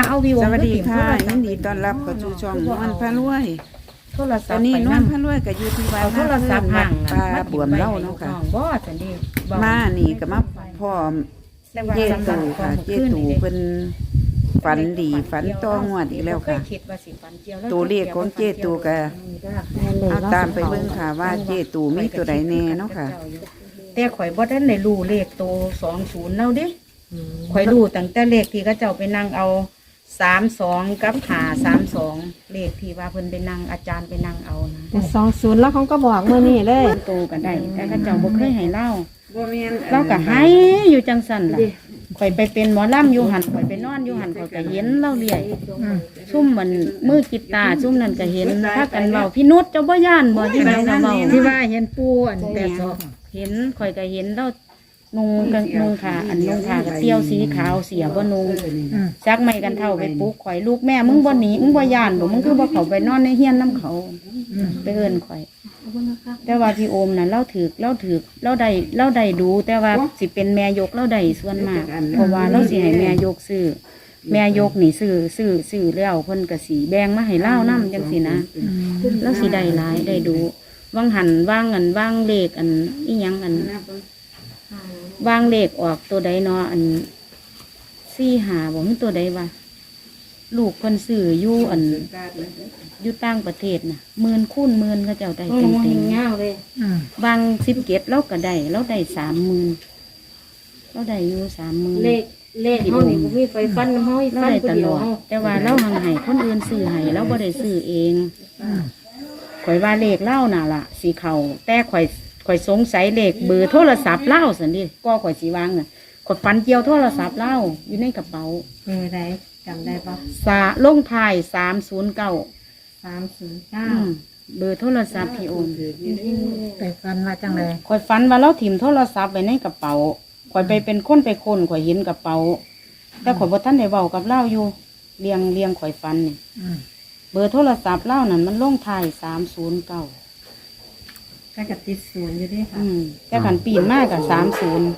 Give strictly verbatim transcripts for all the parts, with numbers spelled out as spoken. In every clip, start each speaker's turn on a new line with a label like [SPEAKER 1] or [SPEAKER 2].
[SPEAKER 1] เอาวิว
[SPEAKER 2] สวัสดีค่ะยินดีต้อนรับเข้าสู่ช่องนวลพระรวย
[SPEAKER 1] โทรศั
[SPEAKER 2] ต
[SPEAKER 1] พ
[SPEAKER 2] อน
[SPEAKER 1] ท์
[SPEAKER 2] นี้
[SPEAKER 1] ไป
[SPEAKER 2] นว
[SPEAKER 1] นั่
[SPEAKER 2] ล
[SPEAKER 1] ง
[SPEAKER 2] พระรวยก็อยู่ที่บ้าน
[SPEAKER 1] เอาโทรศัพท์ห่าง
[SPEAKER 2] ปลาบวมเล่าเนาะค่ะ
[SPEAKER 1] บ่จังดี
[SPEAKER 2] มานี่ก็มาพ่อเจตูค่ะเจตูเป็นฝันดีฝันต่องวดอีกแล้วค่ะตัวเลขของเจตูก็เอาตามไปเบิ่งค่ะว่าเจตูมีตัวใดแน่เนาะค่ะ
[SPEAKER 1] แต่ข่อยบ่ทันได้รู้เลขตัวสองศูนย์แล้วเด้ข่อยรู้ตั้งแต่เลขที่เขาเจ้าไปนั่งเอาสามสองกับหาสามสองเลขที่ว่าเพิ่นไปนั่งอาจารย์ไปนั่งเอานะ
[SPEAKER 3] แต่สองศูนย์แล้วเขาก็บอกเมื่อนี้เลย
[SPEAKER 1] โตกันได้แต่เขาเจ้าบ่เคยให้เล่า
[SPEAKER 2] บ่แม่น
[SPEAKER 1] เราก็ให้อยู่จังสั่นล่ะข่อยไปเป็นหมอลำอยู่หันข่อยไปนอนอยู่หันข่อยก็เห็นเล่าเรื่อยซุ่มมันมือกีตาร์ซุ่มนั่นก็เห็นพากันเว้าพี่นุชเจ้าบ่ย่านบ่ที่ไหนก็เว้า
[SPEAKER 3] ที่ว่าเห็นปูอันแต่สอง
[SPEAKER 1] เห็นข่อยก็เห็นแล้วนุงกันนุงขาอันนุงขากับเตี้ยวสีขาวเสียบ่นุงจักไม่กันเท่าไปปลุกข่อยลูกแม่มึงบ่หนีมึงบ่ย่านบ่มึงคือบ่เข้าไปนอนในเฮียนน้ำเขาไปเอิ้นข่อยแต่ว่าพี่โอมน่ะเล่าถือเล่าถือเล่าได้เล่าได้ดูแต่ว่าสิเป็นแม่ยกเล่าได้ส่วนมากเพราะว่าเราสิให้แม่ยกซื้อแม่ยกนี่ซื้อซื้อซื้อแล้วเพิ่นก็สิแบ่งมาให้เล่านำจังซี่นะแล้วสิได้หลายได้ดูวางหันวางอันวางเลขอันอีหยังอันวางเลขออกตัวใดเนาะอันสี่หาบ่มีตัวใดวะลูกเพิ่นซื้ออยู่อันอยู่ต่างประเทศน่ะหมื่นคูณหมื่นเขาเจ้าได้เต็มเต็มเงาเลยบางสิบเกตเราก็ได้เราได้สามหมื่นเราได้อยู่สามหมื่น
[SPEAKER 4] เลขเลขเฮานี่บ่มีไฟฟันเฮา
[SPEAKER 1] เรา
[SPEAKER 4] ฟัน
[SPEAKER 1] ได้
[SPEAKER 4] ผู้
[SPEAKER 1] ต
[SPEAKER 4] เดี
[SPEAKER 1] ล
[SPEAKER 4] ยว
[SPEAKER 1] อด
[SPEAKER 4] เฮา
[SPEAKER 1] แต่ว่าเราหังให้คนอื่นซื้อให้เราบ่ได้ซื้อเองข่อยว่าเลขเล่าน่ะล่ะสีเขาแต่ข่อยข่อยสงสัยเลขเบอร์โทรศัพท์เล่าสันดิก็ข่อยสีวางน่ะข่อยฟันเกี่ยวโทรศัพท์เล่าอยู่ในกระเป๋า
[SPEAKER 3] เบอร์ใดจำได้ปะ
[SPEAKER 1] สาลงท้ายสามศูนย์เก้า
[SPEAKER 3] สามศูนย์เก้า
[SPEAKER 1] เบอร์โทรศัพท์พี่โอน
[SPEAKER 3] ไปฟันมาจังเลย
[SPEAKER 1] ข่อยฝันว่าเราถิ่มโทรศัพท์ไว้ในกระเป๋าข่อยไปเป็นคนไปคนข่อยเห็นกระเป๋าแต่ข่อยบ่ทันได้เว้ากับเล่าอยู่เรียงเรียงข่อยฝันนี่เบอร์โทรศัพท์เล่านั่นมันลงท้ายสามศูนย์เก้า
[SPEAKER 3] แค่กับติดศูนย์อยู่ด้วยค่ะ
[SPEAKER 1] อืมแต่ขันปีนมากกับสามศูนย์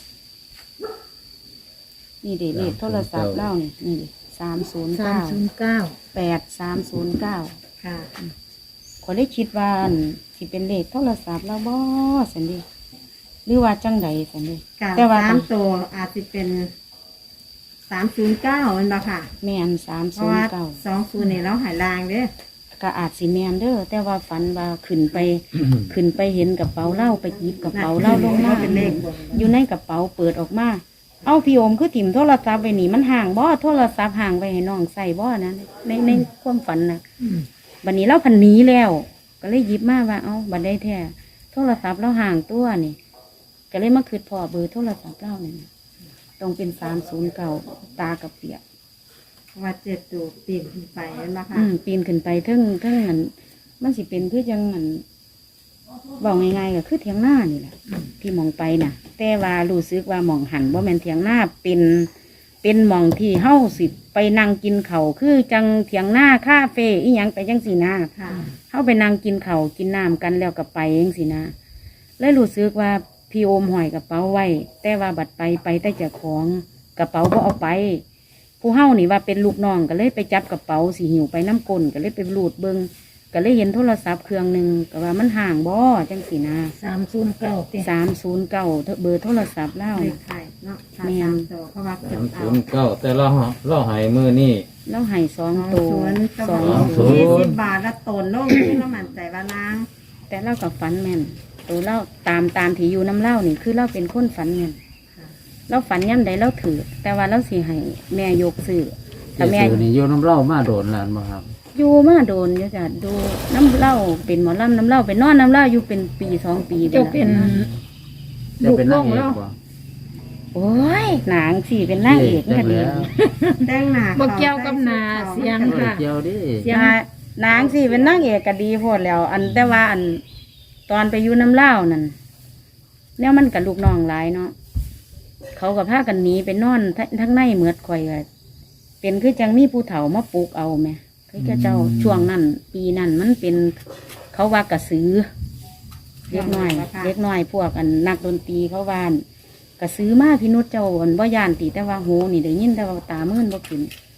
[SPEAKER 1] นี่เด็เลขโทรศัพท์เล่านี่นี่ดิสามศูนย์
[SPEAKER 3] สาม
[SPEAKER 1] เก้า
[SPEAKER 3] ศูนย์เก้า
[SPEAKER 1] แปดสามศูนย์เก้า
[SPEAKER 3] ค่ะ
[SPEAKER 1] ขอยได้คิดว่าอั่นสิเป็นเลขโทรศัพท์แล้วบ่สันดิหรือว่าจังใดสันดิ
[SPEAKER 3] กับ
[SPEAKER 1] แต่ว่า
[SPEAKER 3] สามตัวอาจจะเป็นสามศูนย์เก้ามันบ่ค่ะ
[SPEAKER 1] แม่นสาม
[SPEAKER 3] เพ
[SPEAKER 1] ศู
[SPEAKER 3] ราะ
[SPEAKER 1] น
[SPEAKER 3] ว่า
[SPEAKER 1] ย์เก้า
[SPEAKER 3] สองศูนย์เนี่ยเราหายลางเด้อ
[SPEAKER 1] ก็อาจสิแมนเด้อแต่ว่าฝันว่าขึ้นไป ขึ้นไปเห็นกระเป๋าเหล้าไปหยิบกระเป๋าเหล้าลงมา
[SPEAKER 3] เป็นเลข
[SPEAKER 1] อยู่ในกระเป๋าเปิดออกมา เอาพี่โอมคือถิ่มโทรศัพท์ไปนี่มันห่างบ่โทรศัพท์ห่างไปให้น้องใส่บ่นะในในความฝันนะบัดนี้เราพันหนีแล้ว ก็เลยหยิบมาว่าเอ้าบัดได้แท้โทรศัพท์เราห่างตัวนี่ก็เลยมาคืดพอเบอร์โทรศัพท์เราเนี่ยต้องเป็นสามศูนย์เก่าตากับเปียก
[SPEAKER 3] เพราะว่าเจ็ดตัวปีนขึ้นไปนั่นบ่ค่ะ
[SPEAKER 1] อืมปีนขึ้นไปเทิงเทิงอันมันสิเป็นคือจังอันบอกง่ายๆก็คือเทียงหน้านี่แหละที่มองไปน่ะ แต่ว่ารู้สึกว่าหมองหันว่าแม่นเทียงหน้าเป็นเป็นหมองที่เฮ้าสิไปนั่งกินเขาวคือจังเทียงหน้าคาเฟ่อีหยังไปจังสีนา
[SPEAKER 3] ค่ะ
[SPEAKER 1] เฮ้าไปนั่งกินเขาวกินน้ำกันแล้วก็ไปจังสีนาเลยรู้สึกว่าพี่โอมหอยกระเป๋าไว้ แต่ว่าบัดไปไปแต่เจ้าของกระเป๋าก็เอาไป ผู้เฮ้านี่ว่าเป็นลูกน้องก็เลยไปจับกระเป๋าสีหิวไปน้ำกลก็เลยไปรูดเบิงก็เลยเห็นโทรศัพท์เครื่องหนึ่งก็ว่ามันห่างบ่จังสีนา
[SPEAKER 3] สามศูนย์เก้าเต็ม
[SPEAKER 1] สามศูนย์เก้าเบอร์โทรศัพท์เล่า
[SPEAKER 3] เล
[SPEAKER 1] น่ะ
[SPEAKER 3] ขไทยเนาะสาม
[SPEAKER 1] แม่น
[SPEAKER 3] สามตัวเพราะว่าเก็บ
[SPEAKER 5] สาม
[SPEAKER 3] เอา
[SPEAKER 5] ศูนย์เก้าแต่เราเราใหายมือนี่
[SPEAKER 1] แล้วให้สอง
[SPEAKER 3] สอง
[SPEAKER 1] ตัว
[SPEAKER 3] ศูนย์
[SPEAKER 1] สอง
[SPEAKER 5] ศูนย์
[SPEAKER 3] ยี่สิบบาทละตนโลกที่เราหมั่นใจว่าล้าง
[SPEAKER 1] แต่เล่ากับฝันแม่นตัวเล่าตามตามที่อยู่น้ำเล่านี่คือเล่าเป็นคนฝันแม่นเราฝันย่ำใดเราถือแต่ว่าเราสิให้แม่ยกซื้อ
[SPEAKER 5] เจ
[SPEAKER 1] แต่แม่
[SPEAKER 5] สูนี่โยนน้ำเหล่ามาโดนหลานบ่ครับ
[SPEAKER 1] อยู่มาโดนอยู่จ้ะดูน้ำเล่าเป็นหมอลำน้ำเล่าเป็นนอนน้ำเล่าอยู่เป็นปีสองปี
[SPEAKER 3] เจ้าเป็น
[SPEAKER 5] จะเป็นนางเอกบ่
[SPEAKER 1] โอ้ยหนังสี่เป็นนางเอก
[SPEAKER 5] จั
[SPEAKER 1] นี่
[SPEAKER 5] ง
[SPEAKER 1] ดี
[SPEAKER 5] แล้ว
[SPEAKER 3] แต่งหน้า
[SPEAKER 4] บ่เกี่ยวกับหน้าเสียง
[SPEAKER 5] บ่ได้เกี่ยวดิ
[SPEAKER 1] นางสี่เป็นนางเอกก็ดีโพดแล้ว อันแต่ว่าอันตอนไปอยู่น้ำเล่านั่นเนี่ยมันกับลูกน้องหลายเนาะเขากับพากันหนีไปนอนทั้งในเหมือดข่อยก็เป็นคือจังมีผู้เฒ่ามาปลูกเอาไหมคือเจ้าเจ้าช่วงนั้นปีนั้นมันเป็นเขาว่ากระสือเล็กน้อยเล็กน้อยพวกอันนักดนตรีเขาว่านกระสือมาพี่นุชเจ้าอันบ่ยานตีแต่ว่าโหนี่ได้ยินแต่ว่าตามื่นบ่ขึ้น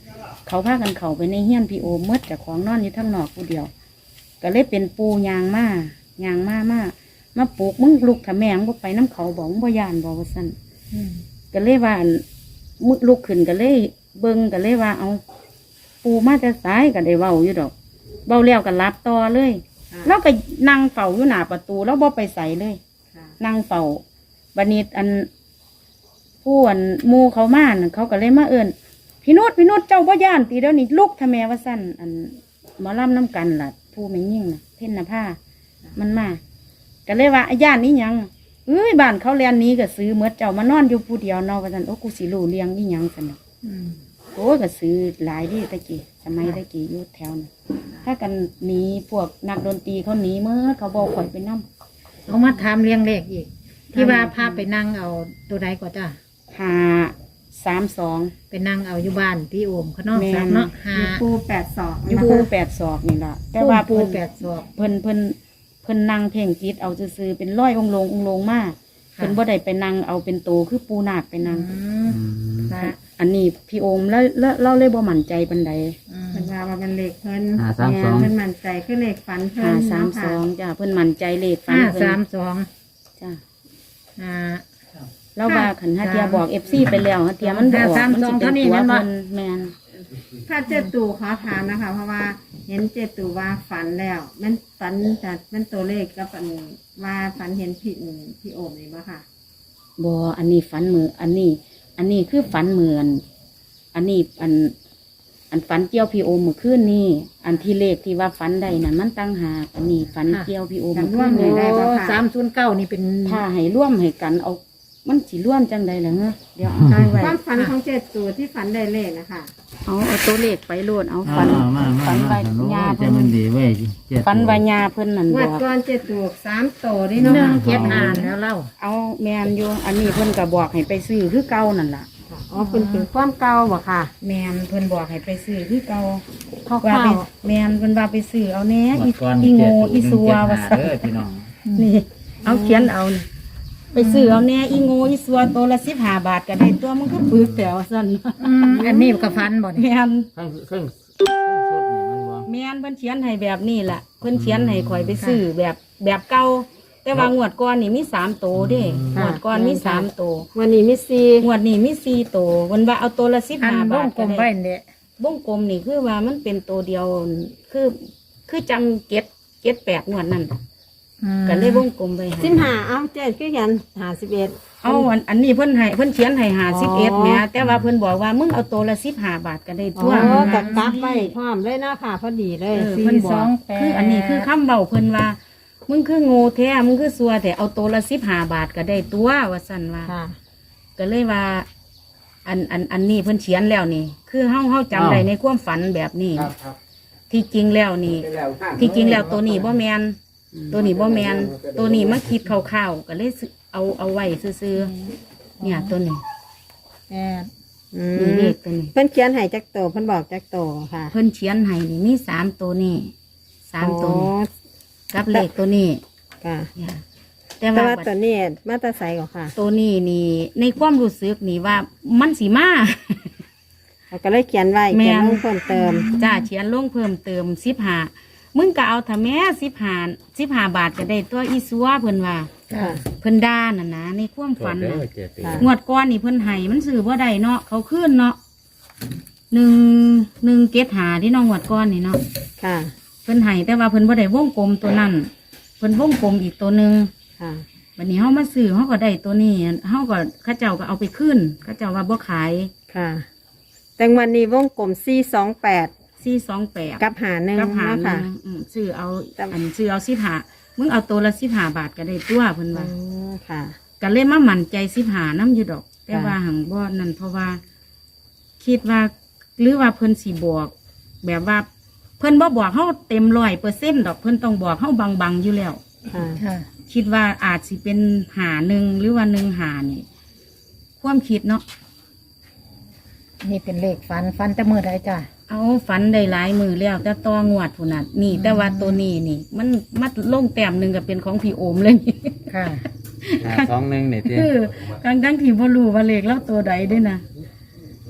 [SPEAKER 1] เขาพากันเขาไปในเฮี้ยนพี่โอมเมื่อจากของนอนอยู่ทั้งนอกผู้เดียว ก็เลยเป็นปูยางมายางมามามาปลูกมึงลูกถ้าแม่งบ่ไปน้ำเขาบอกมึงบ่ยานบอกว่าสั่นก็เลยว่ามึกลุกขึ้นก็เลยเบิ่งก็เลยว่าเอาปูมาแต่สายก็ได้เว้าอยู่ดอกเว้าแล้วก็รับต่อเลยแล้วก็นั่งเฝ้าอยู่หน้าประตูแล้วบ่ไปใส่เลยนั่งเฝ้าบัดนี้อันผู้อันหมู่เขามาน่ะเขาก็เลยมาเอิ้นพี่นุชพี่นุชเจ้าบ่ย่านตีเดี๋ยวนี้ลุกทำแม่ว่าสั่นอันหมอลำน้ำกันล่ะผู้ไม่ยิ่งน่ะเพ่นนภามันมาก็เลยว่าย่านนี้ยังเอ้ยบ้านเขาเรียนนี้ก็ซื้อเมื่อเจ้ามานอนอยู่ผู้เดียวเนาะว่าสั่นโอ้กูสิรู้เลี้ยงนี่ยังสั่นน่ะโอ้ก็ซื้อหลายที่ตะกี้สมัยตะกี้อยู่แถวน่ะถ้ากันหนีพวกนักดนตรีเขาหนีเมื่อเขาบอกข่อยไปนั่ง
[SPEAKER 4] เขามาถามเรียงเลขอีก ที่ว่าพาไปนั่งเอาตัวใดก็จ้ะ
[SPEAKER 1] หาสามสอง
[SPEAKER 4] ไปนั่งเอาอยู่บ้านพี่โอมเขานอก
[SPEAKER 1] แม่น
[SPEAKER 4] สักเนาะหา
[SPEAKER 3] ปูแปดศอก
[SPEAKER 1] อยู่ปูแปดศอกนี่ล่ะแต่ว่า
[SPEAKER 4] ปู
[SPEAKER 1] เพิ่น
[SPEAKER 4] แปดศอก
[SPEAKER 1] เพิ่นเพิ่นเพิ่นนั่งเพ่งจิตเอาซื่อๆเป็นร้อยองค์ลงองค์ลงมาเพิ่นบ่ได้ไปนั่งเอาเป็นโตคือปูนาคไปนั่ง
[SPEAKER 4] อืมนะ
[SPEAKER 1] อันนี้พี่โอมแล้วแล้วเราเลยบ่มั่นใจปานใด
[SPEAKER 4] อืม
[SPEAKER 3] เป็นว่าว่าเป็นเลขเพิ่น
[SPEAKER 5] หาสามสอง
[SPEAKER 3] เพิ่นมั่นใจคือเลขฝันเพิ่
[SPEAKER 1] ห้าน สามสองจ้ะเพิ่นมั่นใจเลขฟัน
[SPEAKER 4] ห้า
[SPEAKER 1] เพิ่
[SPEAKER 4] สาน มสอง
[SPEAKER 1] จ้ะ
[SPEAKER 4] อ่า
[SPEAKER 1] เราว่าขันหาเทียบอก เอฟ ซี ไปแล้วหาเทียมันบ่ออก
[SPEAKER 4] ห้าสาม
[SPEAKER 1] มัน
[SPEAKER 4] สอ
[SPEAKER 1] สิ
[SPEAKER 4] ง
[SPEAKER 1] เป็น
[SPEAKER 4] เท่านี้
[SPEAKER 1] ตัว
[SPEAKER 4] แม่นบ่
[SPEAKER 1] เพิ่นแม่น
[SPEAKER 3] ถ้าเจตูขอถามนะคะ เพราะว่าเห็นเจตูว่าฝันแล้วมันฝันแต่มันตัวเลขกับอันว่าฝันเห็นพี่อืมพี่โอมนี่บ่ค่ะ
[SPEAKER 1] บ่อันนี้ฝันมืออันนี้ อันนี้คือฝันเหมือน อันนี้อัน อันฝันเกี่ยวพี่โอมเมื่อคืนนี่อันที่เลขที่ว่าฝันได้นั่นมันตั้งหากอันนี้ฝันเกี่ยวพี่โอมเมื่อคืน
[SPEAKER 3] จำร่วม
[SPEAKER 1] นี่
[SPEAKER 3] ได้
[SPEAKER 4] โอ้
[SPEAKER 3] ปะคะ
[SPEAKER 4] สามศูนย์เก้านี่เป็น
[SPEAKER 1] ถ้าให้ร่วมให้กันเอา มันสิร่วมจังใดล่ะเฮ้อเดี๋ยวเอาให้ไว้
[SPEAKER 3] ความฝันของเจตูที่ฝันได้เลขนะคะ
[SPEAKER 1] เอาเอาตัวเลขไปโลดเอาฝัน
[SPEAKER 5] มามามา
[SPEAKER 1] ฝัน
[SPEAKER 5] มา
[SPEAKER 1] ใบ
[SPEAKER 5] โอ้
[SPEAKER 1] ยาย
[SPEAKER 5] จะ
[SPEAKER 1] เพิ่น
[SPEAKER 5] มันดีเว้ยเจ็ด
[SPEAKER 1] ฝันใบยาเพิ่นนั่น
[SPEAKER 3] ง
[SPEAKER 1] บ
[SPEAKER 3] ว
[SPEAKER 1] อ
[SPEAKER 3] ด
[SPEAKER 1] ก
[SPEAKER 3] ก่อนเจตูสามโตนี่
[SPEAKER 4] หนึ่
[SPEAKER 3] เนาะ
[SPEAKER 4] งเจ็ดอ่านแล้วเล่า
[SPEAKER 1] เอาแมนอยู่อันนี้เพิ่นก็บอกให้ไปซื้อคือเก่านั่นล่ะ
[SPEAKER 3] อ๋อเป็นเป็นความเก่าบ่ค่ะ
[SPEAKER 1] แมนเพิ่นบอกให้ไปซื้อคือเก่า
[SPEAKER 3] คร่าวๆ
[SPEAKER 1] ว่าไปแมนเพิ่นว่าไปซื้อเอาแหน่
[SPEAKER 5] หม
[SPEAKER 1] อี
[SPEAKER 5] ดก่อน
[SPEAKER 1] อีโง่อีซัว
[SPEAKER 5] ว่า
[SPEAKER 1] ว่าซั่น
[SPEAKER 5] เด้อพี่น้อง
[SPEAKER 1] นี่ เอาเขียนเอานี่ไปซื้อเอาแหน่อีโง่อีซัวตัวละสิบห้าบาทก็ได้ตัวมันก็ปึกแต่ว่าซั่น
[SPEAKER 4] อืมอันนี้ก็ฟันบ่
[SPEAKER 1] แม
[SPEAKER 4] นี่
[SPEAKER 1] น
[SPEAKER 5] เครื่องเครื่องเครื่องสดนี่มันบ่
[SPEAKER 1] แมนเพิ่นเขียนให้แบบนี้ล่ะเพิ่นเขียนให้ข่อยไปซื้อแบบแบบเก่าแต่ว่างวดก่อนนี่มีสามโตเด้งวดก่อนมีสามโต
[SPEAKER 3] วันนี้มีสี่
[SPEAKER 1] งวดนี้มีสี่โตวันว่าเอาตัวละสิบ
[SPEAKER 4] อัน
[SPEAKER 1] ห้า
[SPEAKER 4] บ้
[SPEAKER 1] บาง ท
[SPEAKER 4] กล
[SPEAKER 1] ก็
[SPEAKER 4] มไว้
[SPEAKER 1] ได้
[SPEAKER 4] เนี่ย
[SPEAKER 1] วงกลมนี่คือว่ามันเป็นตัวเดียว คือ คือจังเก็ดเก็ดแปดงวดนั่น
[SPEAKER 4] อืม
[SPEAKER 1] ก็เลยวงกลมไป
[SPEAKER 3] สิบห้าเอาเจ็ดคือกันหาสิบเอ็ด
[SPEAKER 1] เอาอันอันนี้เพิ่นให้เพิ่นเขียนให้หาสิบเอ็ดแหม่แต่ว่าเพิ่นบอกว่ามึงเอาตัวละสิบห้าบาทก็ได้
[SPEAKER 3] อ๋
[SPEAKER 1] ตัว
[SPEAKER 3] อกับกลับไปพร้อมเลยเนาะค่ะพอดีเลย
[SPEAKER 1] เออเพิ่นบอกคืออันนี้คือคำเบาเพิ่นว่า มึงคือโง่แท้มึงคือซัวแต่เอาตัวละสิบห้าบาทก็ได้ตัวว่าสั่นว่า
[SPEAKER 3] ค่ะ
[SPEAKER 1] ก็เลยว่า อันอันอันนี้เพิ่นเขียนแล้วนี่ คือเฮาเฮาจำได้ในความฝันแบบนี้ ที่จริงแล้วนี่ ที่จริงแล้วตัวนี้บ่แมนตัวนี้บ่แมนตัวนี้มาคิดคร่าวๆก็เลยซื้อเอาเอาไว้ซื้อๆเนี่ยตัวนี้
[SPEAKER 4] แปด
[SPEAKER 3] อื
[SPEAKER 1] นี่เล
[SPEAKER 3] ม
[SPEAKER 1] ขตัวนี้
[SPEAKER 3] เพิ่นเขียนให้จักโตเพิ่นบอกจักโตค่ะ
[SPEAKER 1] เพิ่นเขียนให้นี่มีสามตัวนี่สามตัวนี้กับเลขตัวนี้
[SPEAKER 3] ค่ะ
[SPEAKER 1] เนี่ยแต่
[SPEAKER 3] แต่
[SPEAKER 1] ว่า
[SPEAKER 3] ว่าตัวนี้มาตราใสก่อนค่ะ
[SPEAKER 1] ตัวนี้นี่ ในความรู้สึกนี่ว่ามันสีมา
[SPEAKER 3] เราก็เลยเขียนไว้
[SPEAKER 1] แม่
[SPEAKER 3] เขียน
[SPEAKER 1] น
[SPEAKER 3] ลงเพิ่มเติม
[SPEAKER 1] จ้าเขียนลงเพิ่มเติมสิบห้ามึงก็เอาถ้าแม่สิบห้าสิบห้าบาทก็ได้ตัวอีซัวเพิ่นว่า
[SPEAKER 3] ค่ะ
[SPEAKER 1] เพิ่นด่าน่ะนะในความฝัน
[SPEAKER 5] เด้
[SPEAKER 1] น่ะ
[SPEAKER 5] อเจ็ดปี
[SPEAKER 3] ค่ะ
[SPEAKER 1] งวดก้อนนี่เพิ่นให้มันซื้อบ่ได้เนาะเขาขึ้นเนาะหนึ่งหนึ่งเกตหาที่น้องงวดก้อนนี่เนาะ
[SPEAKER 3] ค่ะ
[SPEAKER 1] เพิ่นให้แต่ว่าเพิ่นบ่ได้วงกลมตัวนั้นเพิ่นวงกลมอีกตัวหนึ่ง
[SPEAKER 3] ค่ะ
[SPEAKER 1] วันนี้เฮามาซื้อเฮาก็ได้ตัวนี้เฮาก็เข้าเจ้าก็เอาไปขึ้นเข้าเจ้าว่าบ่ขาย
[SPEAKER 3] ค่ะ แต่วันนี้วงกลมสี่สองแปด
[SPEAKER 1] สี่สองแปด
[SPEAKER 3] กับหาหนึ่ง
[SPEAKER 1] กับหา
[SPEAKER 3] เนาะ
[SPEAKER 1] หนึ่
[SPEAKER 3] ค่ะ
[SPEAKER 1] งอืมซื้อเอา
[SPEAKER 3] แต่
[SPEAKER 1] อันซื้อเอาสิบห้ามึงเอาตัวละสิบห้าบาทก็ได้ตัวเพิ่น
[SPEAKER 3] อ๋
[SPEAKER 1] ว่า
[SPEAKER 3] อค่ะ
[SPEAKER 1] ก็เลยมามั่นใจสิบห้าน้ำอยู่ดอก แต่
[SPEAKER 3] ค่ะ
[SPEAKER 1] ว่าหังบ่นั่นเพราะว่า คิดว่าหรือว่าเพิ่นสิบอก แบบว่า เพิ่นบ่บอกเฮาเต็มร้อยเปอร์เซ็นต์ดอกเพิ่นต้องบอกเฮาบางๆอยู่แล้ว
[SPEAKER 3] ค่ะ
[SPEAKER 4] ค่ะ
[SPEAKER 1] คิดว่าอาจสิเป็นหาหนึ่งหรือว่าหนึ่งหานี่ความคิดเนาะ
[SPEAKER 4] นี่เป็นเลขฟันฟันแต่มือใดจ้ะ
[SPEAKER 1] เอาฝันได้หลายมือแล้ว แต่ตองวดพุ่นน่ะนี่ แต่ว่าตัวนี้นี่ มันมัดลงแต้มหนึ่งก็เป็นของพี่โอมเลยนี่
[SPEAKER 4] ค่ะ
[SPEAKER 5] หาสองหนึ่งนี่เตี้ย
[SPEAKER 1] คือทั้งทั้งที่บ่รู้ว่าเลขแล้วตัวใดด้วยนะ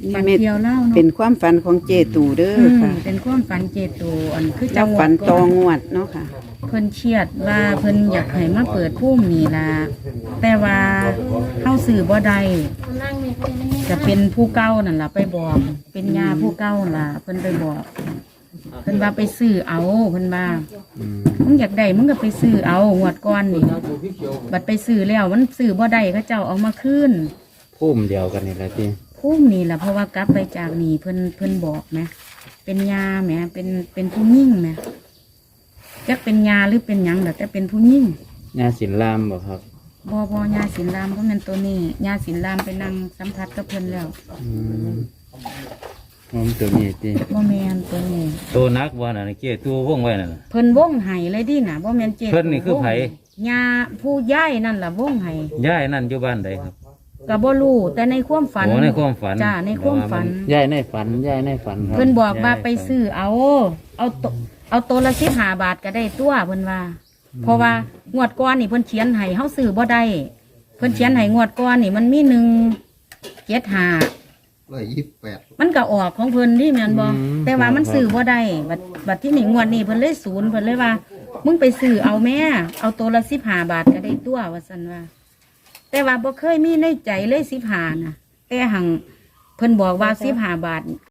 [SPEAKER 1] ฝัน
[SPEAKER 2] เม็ด
[SPEAKER 1] เกี่ยวเล่าเนาะ
[SPEAKER 2] เป็นความฝันของเจตูเด้อ
[SPEAKER 1] อืม
[SPEAKER 2] ค่ะ
[SPEAKER 1] เป็นความฝันเจตูอันคือ
[SPEAKER 2] แล้
[SPEAKER 1] จั
[SPEAKER 2] ว
[SPEAKER 1] งห
[SPEAKER 2] ฝั
[SPEAKER 1] วัด
[SPEAKER 2] น
[SPEAKER 1] ก่
[SPEAKER 2] ตอ
[SPEAKER 1] อน
[SPEAKER 2] งวดเนาะค่ะ
[SPEAKER 1] เพิ่นเครียดว่าเพิ่นอยากให้มาเปิดพุ่มนี่ล่ะแต่ว่าเข้าสื่อบ่ได้จะเป็นผู้เก้านั่นล่ะไปบอก เป็นยาผู้เก้าล่ะ เพิ่นไปบอก เพิ่นว่าไปซื้อเอาเพิ่นว่ามึงอยากได้มึงก็ไปซื้อเอางวดก่อนนี่บัดไปซื้อแล้วมันซื้อบ่ได้เขาเจ้าเอามาคืน
[SPEAKER 5] พุ่มเดียวกันนี่แหละที่
[SPEAKER 1] พุ่มนี่ล่ะเพราะว่ากลับไปจากนี่เพิ่นเพิ่นบอกแหมเป็นยาแหมเป็นเป็นผู้ยิ่งแหมจักเป็นยาหรือเป็นหยังล่ะแต่เป็นผู้ยิ่ง
[SPEAKER 5] ยาสินลามบ่ครับ
[SPEAKER 1] บอบอยาสินรามก็เป็นตัวนี้ยาสินรามไปนั่งสัมผัสกับเพิ่นแล้ว
[SPEAKER 5] อืมผมตัวนี้ที่
[SPEAKER 1] บ่แมนตัวนี้
[SPEAKER 5] ตัวนักบ่น่ะเกี่ยตัววงไว้นั่นน่ะ
[SPEAKER 1] เพิ่นวงไห้เลยดิน่ะบ่แมนเจ็ด
[SPEAKER 5] เพิ่นนี่คือไผ
[SPEAKER 1] ยาผู้ย่ายนั่นล่ะวงไห้
[SPEAKER 5] ย่ายนั่นอยู่บ้านใดครับ
[SPEAKER 1] ก็บ่รู้แต่ในความฝัน
[SPEAKER 5] โอ้ในความฝัน
[SPEAKER 1] จ้าในความฝัน
[SPEAKER 5] ย่ายในฝันย่ายในฝันครับ
[SPEAKER 1] เพิ่นบอกว่า
[SPEAKER 5] ย้ยใน
[SPEAKER 1] ไป
[SPEAKER 5] ฝัน
[SPEAKER 1] ซื้อเอาเอาตัวเอาตัวละสิบห้าบาทก็ได้ตัวเพิ่นว่า เพราะว่างวดก่อนนี่เพิ่นเขียนให้เฮาซื้อบ่ได้เพิ่นเขียนให้งวดก่อนนี่มันมีหนึ่งเจ็ดห้า
[SPEAKER 6] ร้อยยี่สิบแปด
[SPEAKER 1] มันก็ออกของเพิ่นที่แม่นบ่แต่ว่ามันซื้อบ่ได้บัดบัดที่นี่งวดนี้เพิ่นเลยศูนย์เพิ่นเลยว่า มึงไปซื้อเอาแม่เอาตัวละสิบห้าบาทก็ได้ตัวว่าซั่นว่า แต่ว่าบ่เคยมีในใจเลยสิบห้าน่ะแต่หังเพิ่นบอกว่าสิบห้าบาท